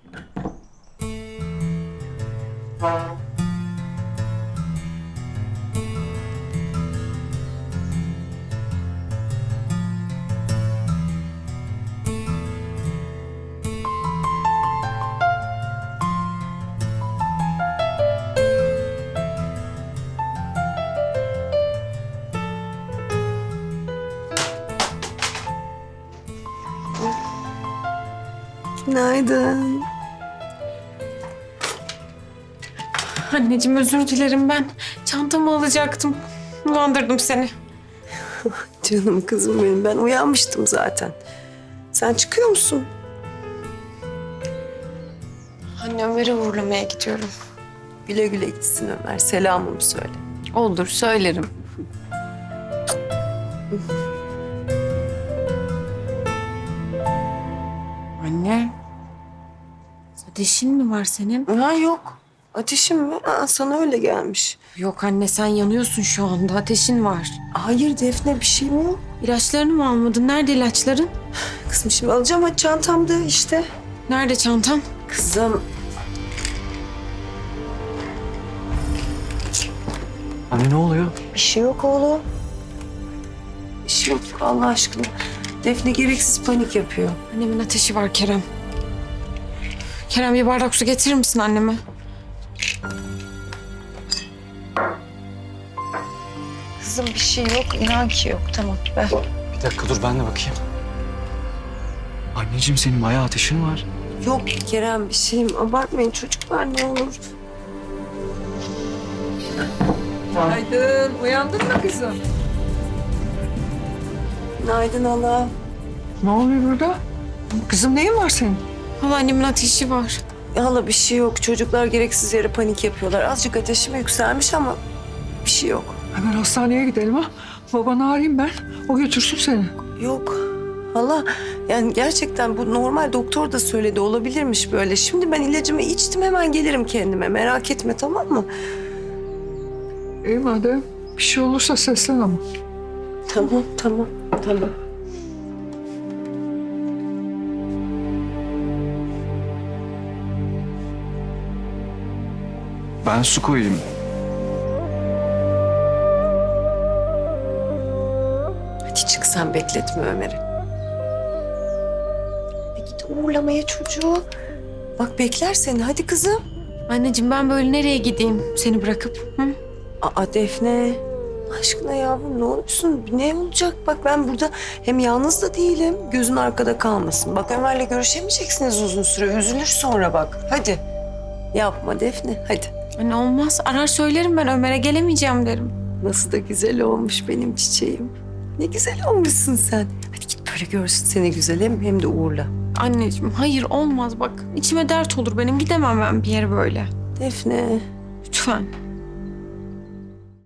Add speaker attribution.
Speaker 1: Günaydın.
Speaker 2: Anneciğim özür dilerim ben. Çantamı alacaktım. Uyandırdım seni.
Speaker 1: Canım kızım benim. Ben uyanmıştım zaten. Sen çıkıyor musun?
Speaker 2: Anne Ömer'i uğurlamaya gidiyorum.
Speaker 1: Güle güle gitsin Ömer. Selamımı söyle.
Speaker 2: Olur söylerim. Anne. Ateşin mi var senin?
Speaker 1: Ha yok. Ateşim mi? Aa, sana öyle gelmiş.
Speaker 2: Yok anne sen yanıyorsun şu anda. Ateşin var.
Speaker 1: Hayır Defne, bir şey mi yok?
Speaker 2: İlaçlarını mı almadın? Nerede ilaçların?
Speaker 1: Kızım şimdi alacağım. Hadi çantamda işte.
Speaker 2: Nerede çantam?
Speaker 1: Kızım.
Speaker 3: Anne ne oluyor?
Speaker 1: Bir şey yok oğlum. Bir şey yok Allah aşkına. Defne gereksiz panik yapıyor.
Speaker 2: Annemin ateşi var Kerem. Kerem bir bardak su getirir misin anneme?
Speaker 1: Kızım bir şey yok. İnan ki yok. Tamam ver.
Speaker 3: Bir dakika dur ben de bakayım. Anneciğim senin bayağı ateşin var.
Speaker 1: Yok Kerem bir şeyim. Abartmayın çocuklar ne olur.
Speaker 4: Günaydın. Uyandın mı kızım?
Speaker 1: Günaydın hala.
Speaker 4: Ne oluyor burada? Kızım neyin var senin?
Speaker 2: Hala annemin ateşi var.
Speaker 1: Hala bir şey yok. Çocuklar gereksiz yere panik yapıyorlar. Azıcık ateşim yükselmiş ama bir şey yok.
Speaker 4: Hemen hastaneye gidelim ha. Babanı arayayım ben. O götürsün seni.
Speaker 1: Yok. Hala yani gerçekten bu normal, doktor da söyledi olabilirmiş böyle. Şimdi ben ilacımı içtim, hemen gelirim kendime. Merak etme, tamam mı?
Speaker 4: İyi madem. Bir şey olursa seslen ama.
Speaker 1: Tamam. Tamam.
Speaker 3: Ben su koyayım.
Speaker 1: Hadi çık, sen bekletme Ömer'i. Git uğurlamaya çocuğu. Bak bekler seni, hadi kızım.
Speaker 2: Anneciğim ben böyle nereye gideyim seni bırakıp? Hı?
Speaker 1: Aa Defne. Allah aşkına yavrum ne olursun? Ne olacak? Bak ben burada hem yalnız da değilim. Gözün arkada kalmasın. Bak Ömer'le görüşemeyeceksiniz uzun süre. Üzülür sonra bak. Hadi. Yapma Defne, hadi.
Speaker 2: Anne olmaz. Arar söylerim ben Ömer'e gelemeyeceğim derim.
Speaker 1: Nasıl da güzel olmuş benim çiçeğim. Ne güzel olmuşsun sen. Hadi git böyle görsün seni güzel hem de uğurla.
Speaker 2: Anneciğim hayır olmaz bak. İçime dert olur benim. Gidemem ben bir yere böyle.
Speaker 1: Defne.
Speaker 2: Lütfen.